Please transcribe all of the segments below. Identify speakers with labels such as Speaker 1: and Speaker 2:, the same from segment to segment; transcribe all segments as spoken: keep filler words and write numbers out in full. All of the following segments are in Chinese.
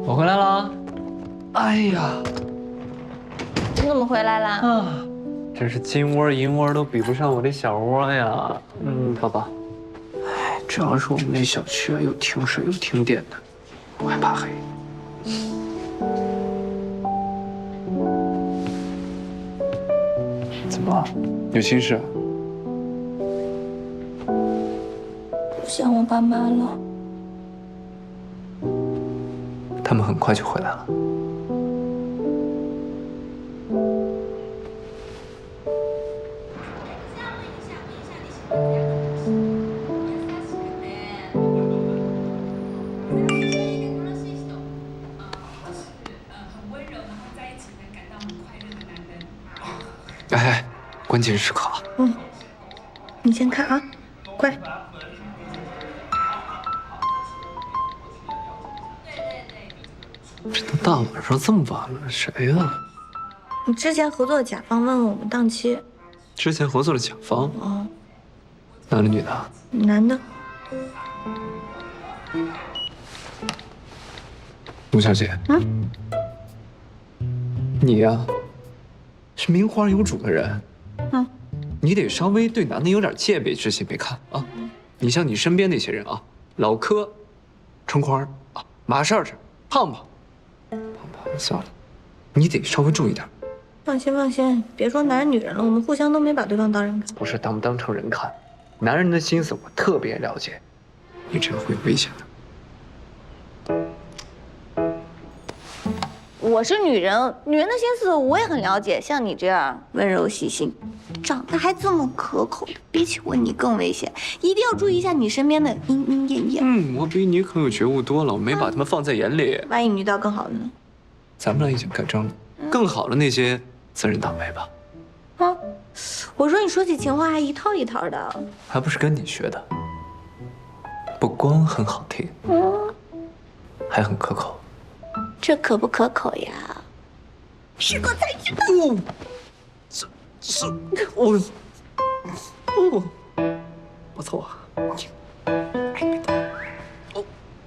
Speaker 1: 我回来了。哎呀，
Speaker 2: 你怎么回来啦？
Speaker 1: 啊，真是金窝银窝都比不上我这小窝呀。嗯，爸爸。哎，主要是我们那小区啊，又停水又停电的，我还怕黑。怎么了？有心事啊？
Speaker 2: 不想我爸妈了。
Speaker 1: 他们很快就回来了。哎，关键时刻啊！
Speaker 2: 嗯，你先看啊，快。
Speaker 1: 这都大晚上这么晚了，谁呀？
Speaker 2: 你之前合作的甲方问问我们档期。
Speaker 1: 之前合作的甲方？
Speaker 2: 哦。
Speaker 1: 男的女的？
Speaker 2: 男的。
Speaker 1: 陆小姐。
Speaker 2: 嗯。
Speaker 1: 你呀，是名花有主的人。
Speaker 2: 嗯。
Speaker 1: 你得稍微对男的有点戒备之心，别看啊。你像你身边那些人啊，老柯、春花啊、马少少、胖胖。胖胖，算了，你得稍微注意点。
Speaker 2: 放心放心，别说男人女人了，我们互相都没把对方当人看。
Speaker 1: 不是当不当成人看，男人的心思我特别了解，你这样会有危险的。
Speaker 2: 我是女人，女人的心思我也很了解。像你这样温柔细心，长得还这么可口的，比起我你更危险，一定要注意一下你身边的莺莺燕燕。
Speaker 1: 嗯，我比你可有觉悟多了，我没把他们放在眼里。
Speaker 2: 万一你遇到更好的呢？
Speaker 1: 咱们俩已经改正了，更好的那些自认倒霉吧。
Speaker 2: 啊，我说你说起情话还一套一套的，
Speaker 1: 还不是跟你学的。不光很好听，
Speaker 2: 嗯，
Speaker 1: 还很可口。
Speaker 2: 这可不可口呀？试过才知道。
Speaker 1: 哦，这这我，哦，不错。哎，别动。哦。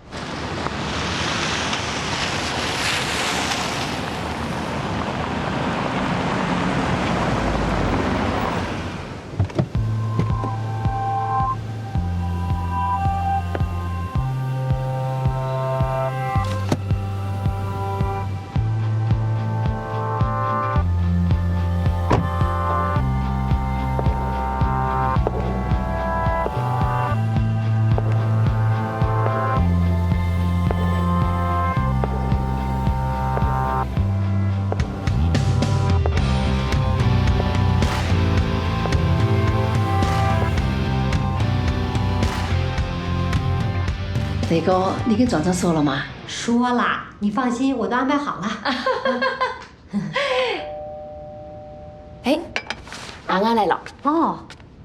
Speaker 3: 磊哥，你给壮壮说了吗？
Speaker 4: 说了，你放心，我都安排好了。
Speaker 2: 哎，安安来了。
Speaker 4: 哦，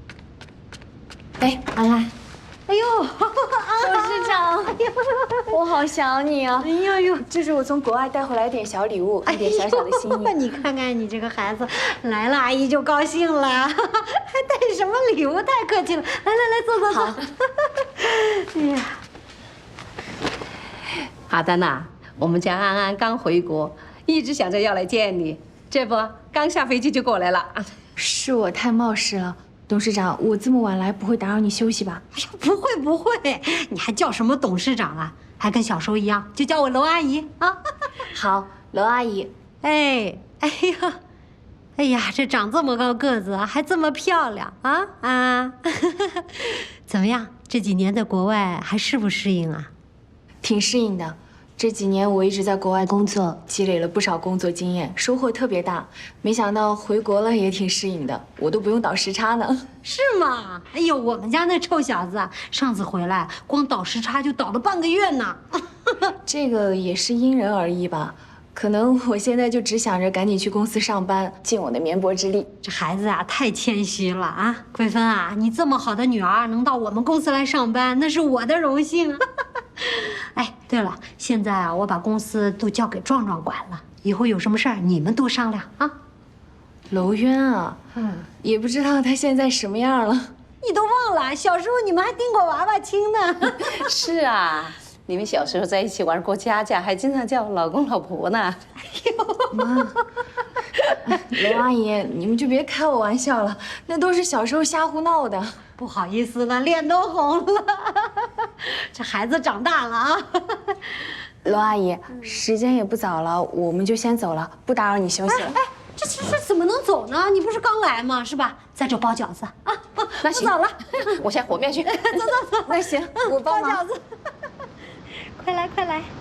Speaker 2: 哎，安安。
Speaker 4: 哎呦，
Speaker 2: 董事长，我好想你啊！
Speaker 4: 哎呦呦，
Speaker 2: 这是我从国外带回来点小礼物，一点小小的心意。
Speaker 4: 哎、你看看你这个孩子，来了阿姨就高兴了，还带什么礼物？太客气了，来来来，坐坐坐。
Speaker 2: 好。
Speaker 4: 哎呀。
Speaker 3: 阿丹呐，我们家安安刚回国，一直想着要来见你，这不刚下飞机就过来了。
Speaker 5: 是我太冒失了，董事长，我这么晚来不会打扰你休息吧？
Speaker 4: 哎呀，不会不会，你还叫什么董事长啊？还跟小时候一样，就叫我娄阿姨啊。
Speaker 5: 好，娄阿姨。
Speaker 4: 哎，哎呀，哎呀，这长这么高个子，还这么漂亮啊啊！怎么样？这几年在国外还适不适应啊？
Speaker 5: 挺适应的，这几年我一直在国外工作，积累了不少工作经验，收获特别大。没想到回国了也挺适应的，我都不用倒时差呢。
Speaker 4: 是吗？哎呦，我们家那臭小子啊，上次回来光倒时差就倒了半个月呢。
Speaker 5: 这个也是因人而异吧，可能我现在就只想着赶紧去公司上班，尽我的绵薄之力。
Speaker 4: 这孩子啊，太谦虚了啊！桂芬啊，你这么好的女儿能到我们公司来上班，那是我的荣幸。哎，对了，现在啊，我把公司都交给壮壮管了，以后有什么事儿你们多商量啊。
Speaker 5: 娄渊啊，嗯，也不知道他现在什么样了。
Speaker 4: 你都忘了，小时候你们还叮过娃娃亲呢。
Speaker 2: 是啊，
Speaker 3: 你们小时候在一起玩过家家，还经常叫老公老婆呢。
Speaker 5: 妈，娄阿姨，你们就别开我玩笑了，那都是小时候瞎胡闹的。
Speaker 4: 不好意思了，脸都红了。这孩子长大了啊。
Speaker 5: 娄阿姨，时间也不早了，我们就先走了，不打扰你休息了。
Speaker 4: 哎，这这这怎么能走呢？你不是刚来吗？是吧？在这包饺子啊。
Speaker 3: 那行，
Speaker 4: 我走了，
Speaker 3: 我先和面去。
Speaker 5: 那行，我帮忙。
Speaker 4: 包饺子。快来快来。